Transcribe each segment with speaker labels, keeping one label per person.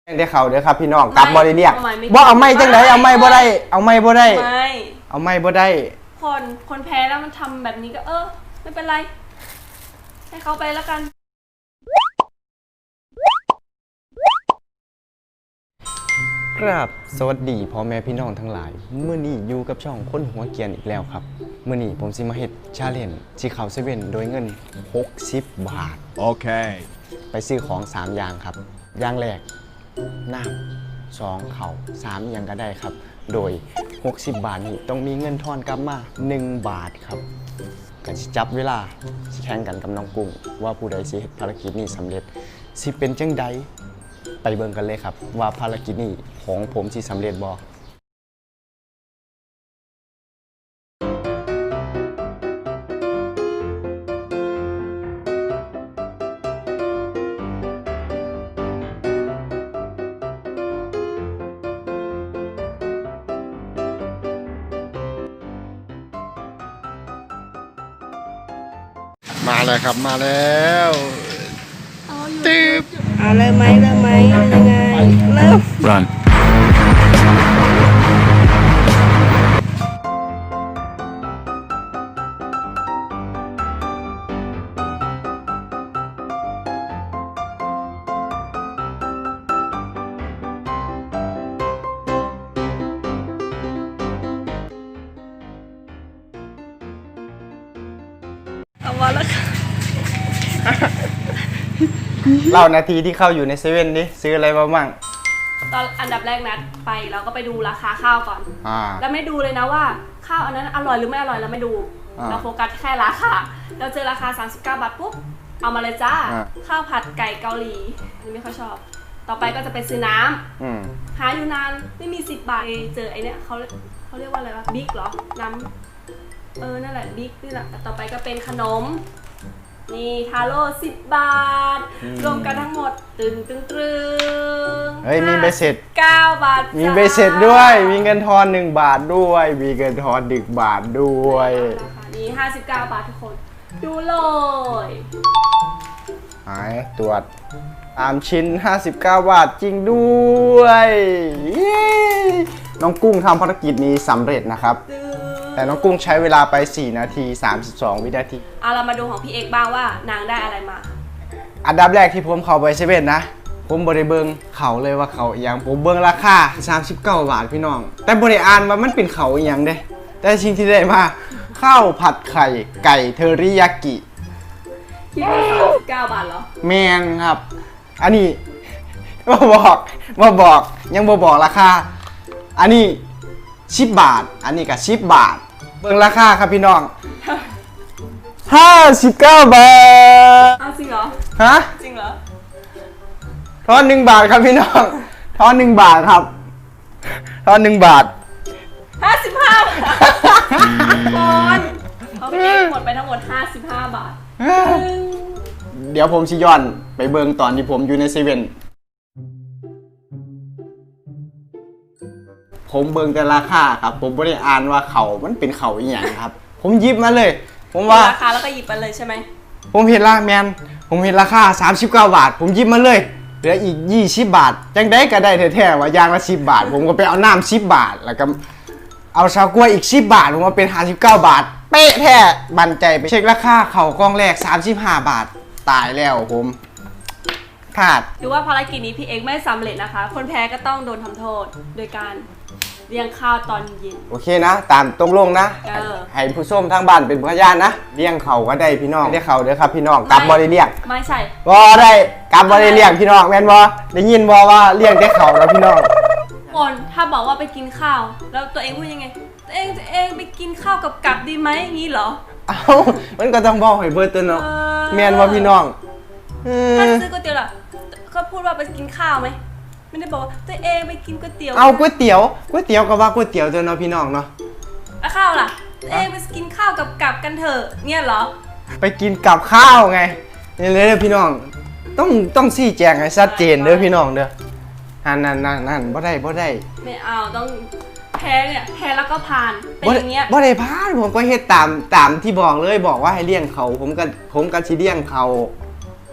Speaker 1: ได้เขาเด้อครับพี่น้องกลับบ่ได้เรียกบ่เอาไม่จังไดเอาไม่บ่ได้เอาไม่บ่ได้เอาไม่บ่ได้
Speaker 2: คนแพ้แล้วมันทำแบบนี้ก็ไม่เป็นไรให้เขาไปแล้วกัน
Speaker 1: ครับสวัสดีพ่อแม่พี่น้องทั้งหลายมื้อนี้อยู่กับช่องคนหัวเกียนอีกแล้วครับมื้อนี้ผมสิมาเฮ็ดชาเลนจ์สิเข้าเซเว่นโดยเงิน60 บาท
Speaker 3: โอเค
Speaker 1: ไปซื้อของ3อย่างครับอย่างแรกน้ำ2เข่า3อย่างก็ได้ครับโดย60 บาทนี้ต้องมีเงินทอนกลับมา1 บาทครับกันสิจับเวลาสิแข่งกันกับน้องกุ้งว่าผู้ใดสิเฮ็ดภารกิจนี้สำเร็จสิเป็นจังใดไปเบิ่งกันเลยครับว่าภารกิจนี้ของผมสิสำเร็จบ่
Speaker 3: มาเลยครับมาแล้ว
Speaker 2: ตึ๊บ
Speaker 4: เริ่มไหมยังไงเริ่ม
Speaker 3: Run
Speaker 2: เอามาแล้วค่ะ
Speaker 1: เล่านาทีที่เข้าอยู่ในเซเว่นนี่ซื้ออะไรมาบ้าง
Speaker 2: ตอนอันดับแรกนัดไปเราก็ไปดูราคาข้าวก่อนแล้วไม่ดูเลยนะว่าข้าวอันนั้นอร่อยหรือไม่อร่อยเราไม่ดูเราโฟกัสแค่ราคาเราเจอราคา39 บาทปุ๊บเอามาเลยจ้าข้าวผัดไก่เกาหลีนี่ไม่ค่อยชอบต่อไปก็จะไปซื้อน้ำหาอยู่นานไม่มี10 บาทเจอไอเนี้ยเขาเรียกว่าอะไรวะบิ๊กเหรอน้ำนั่นแหละบิ๊กนี่แหละต่อไปก็เป็นขนมนี่ทาโร่10 บาทรวมกันทั้งหมดตึง
Speaker 1: เฮ้ยมีใบเสร็จ
Speaker 2: 9 บาท
Speaker 1: มีใบเสร็จด้วยมีเงินทอน1 บาทด้วยมีเงินทอน1 บาทด้วย
Speaker 2: นี่59 บาททุกคนดูเลย
Speaker 1: หายตรวจ3 ชิ้น59 บาทจริงด้วยน้องกุ้งทำภารกิจนี้สำเร็จนะครับแต่น้องกุ้งใช้เวลาไป4 นาที 32 วินาที
Speaker 2: เรามาดูของพี่เอกบ้างว่านางได้อะไรมา
Speaker 1: อันดับแรกที่ผมเข้าไปเซเว่นนะผมบริเบิงเขาเลยว่าเขาอย่างผมเบิงราคา39 บาทพี่น้องแต่บริอ่านว่ามันเป็นเขาอย่างเด้แต่สิ่งที่ได้มาข้าวผัดไข่ไก่เทอริยากิ
Speaker 2: คิดว่า39 บาทเหรอ
Speaker 1: แมนครับอันนี้มาบอกยังบอกราคาอันนี้10 บาทอันนี้ก็10 บาทเบิ่งราคาครับพี่น้อง59 บาท
Speaker 2: จริงเหรอ
Speaker 1: ฮะ
Speaker 2: จริงเหรอ
Speaker 1: ทอน1 บาทครับพี่น้องทอน1 บาทครับทอน1 บาท
Speaker 2: 55 บาทคนเขาพี่เอกหมดไปทั้งหมด55 บาท
Speaker 1: เดี๋ยวผมสิย้อนไปเบิ่งตอนที่ผมอยู่ในเซเว่นผมเบิ่งแต่ราคาครับผมไม่ได้อ่านว่าเขามันเป็นเขาอีหยังครับผมหยิบมาเลยผมว่า
Speaker 2: ราคาแล้วก็หยิบไปเลยใช่ไหม
Speaker 1: ผมเห็นผมเห็นราคา39 บาทผมหยิบมาเลยเหลืออีก20 บาทจังได้ก็ได้แท้ๆว่าอย่างละ10 บาทผมก็ไปเอาน้ำ10 บาทแล้วก็เอาชาวกล้วยอีก10 บาทผมมาเป็น59 บาทเป๊ะแท้บันใจไปเช็คราคาเขากล้องแรก35 บาทตายแล้วผมขาด
Speaker 2: ดูว่าภารกิจนี้พี่เอกไม่สำเร็จนะคะคนแพ้ก็ต้องโดนทำโทษโดยการเลี้ยงข้าวตอนเย็น
Speaker 1: โอเคนะตามตกลงนะให้ผู้ชมทางบ้านเป็นพยานนะเลี้ยงเขาก็ได้พี่น้องได้เขาเด้อครับพี่น้องกลับบ่ได้เลี้ยง
Speaker 2: ไม่ใช่
Speaker 1: บ่ได้กลับบ่ได้เลี้ยงพี่น้องแม่นบ่ได้ยินบ่ว่าเลี้ยงแต่เขาแล้วพี่น้อง
Speaker 2: คนถ้าบอกว่าไปกินข้าวแล้วตัวเองพูดยังไงตัวเองไปกินข้าวกับกลับดีไหมงี้เหรอ
Speaker 1: เอ้ามันก็ต้องบอกให้เบิดตัวเนาะแม่นบ่พี่น้อง
Speaker 2: ถ้าซื้อก๋วยเตี๋ยวล่ะเขาพูดว่าไปกินข้าวไหมไม่ได้บอกว่าตัวเองไปกินก๋วยเตี๋ยว
Speaker 1: เอาก๋วยเตี๋ยวก็ว่าก๋วยเตี๋ยวตัวเนาะพี่น้องเนาะ
Speaker 2: แล้วข้าวล่ะตัวเองไปกินข้าวกับกลับกันเถอะเนี่ยเหรอ
Speaker 1: ไปกินกับข้าวไงนี่เลยพี่น้องต้องชี้แจงให้ชัดเจนเด้อพี่น้องเด้อนั่นบ่ได้
Speaker 2: ไม่เอาต้องแพ้เนี่ยแพ้แล้วก็ผ่านเป็นอย่างเงี้ย
Speaker 1: บ่ได้ผ่านผมก็เฮ็ดตามที่บอกเลยบอกว่าให้เลี้ยงเขาผมก็สิเลี้ยงเขา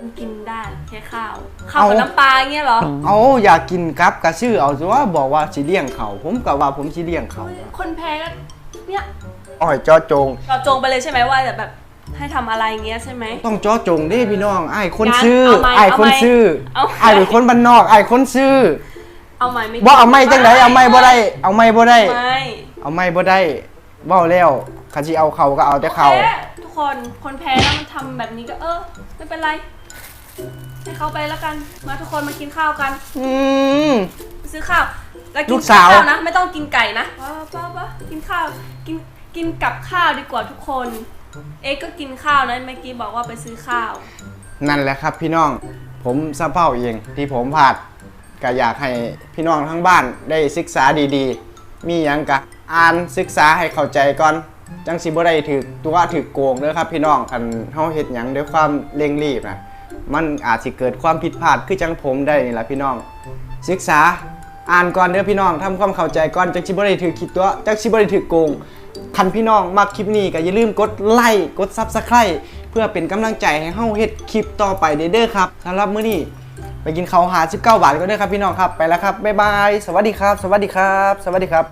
Speaker 2: มันกินได้แค่ข้าวกับน้ำปลาเงี้ยเหรอ
Speaker 1: เอาอยากกินกับกระชื่อเอาสิว่าบอกว่าสิเลี้ยงเขาผมก็ว่าผมสิเลี้ยงเขา
Speaker 2: คนแพ้ก็เนี่ย
Speaker 1: อ้อยจ้อจง
Speaker 2: เราจงไปเลยใช่ไหมว่าแบบให้ทำอะไรเงี้ยใช่ไหม
Speaker 1: ต้องจ้อจงเด้พี่น้องไอ้ายคน
Speaker 2: งั้น
Speaker 1: ซื้อ
Speaker 2: เอาไหม
Speaker 1: ไอ้ายคนซื้อ
Speaker 2: เอาไหม
Speaker 1: ไอ้ายเป็นคนบ้านนอกไอ้ายคนซื้อ
Speaker 2: เอาไหมไม่
Speaker 1: บ่เอาไม่จังไดเอาไม่บ่ได้เอาไม่บ่ได้
Speaker 2: ไม่
Speaker 1: เอาไม่บ่ได้เว้าแล้วคันสิเอาเขาก็เอาแต่เขา
Speaker 2: โอคทุกคนแพ้แล้วมันทำแบบนี้ก็ไม่เป็นไรให้เขาไปแล้วกันมาทุกคนมากินข้าวกัน ซื้อข้าวแล้ว
Speaker 1: ลู
Speaker 2: กิน
Speaker 1: กสาว
Speaker 2: ข้าวนะไม่ต้องกินไก่นะป้ากินข้าวกินกับข้าวดีกว่าทุกคน เอ็กก็กินข้าวนะเมื่อกี้บอกว่าไปซื้อข้าว
Speaker 1: นั่นแหละครับพี่น้องผมสะเพ้าเองที่ผมพลาดก็อยากให้พี่น้องทั้งบ้านได้ศึกษาดีๆ มีหยังกะอ่านศึกษาให้เข้าใจก่อนจังสิบ่ได้ถือตัวถือโกงเด้อครับพี่น้องคันเฮาเฮ็ดหยังด้วยความเร่งรีบนะมันอาจสิเกิดความผิดพลาดคือจังผมได้นี่ล่ะพี่น้องศึกษาอ่านก่อนเด้อพี่น้องทำความเข้าใจก่อนจังสิบ่ได้ถือคิดตัวจังสิบ่ได้ถือโกงคันพี่น้องมักคลิปนี้ก็อย่าลืมกดไลค์กด Subscribe เพื่อเป็นกำลังใจให้เฮาเฮ็ดคลิปต่อไปเด้อครับสำหรับมื้อนี้ไปกินข้าวหา19 บาทก็ได้ครับพี่น้องครับไปแล้วครับบ๊ายบายสวัสดีครับสวัสดีครับสวัสดีครับ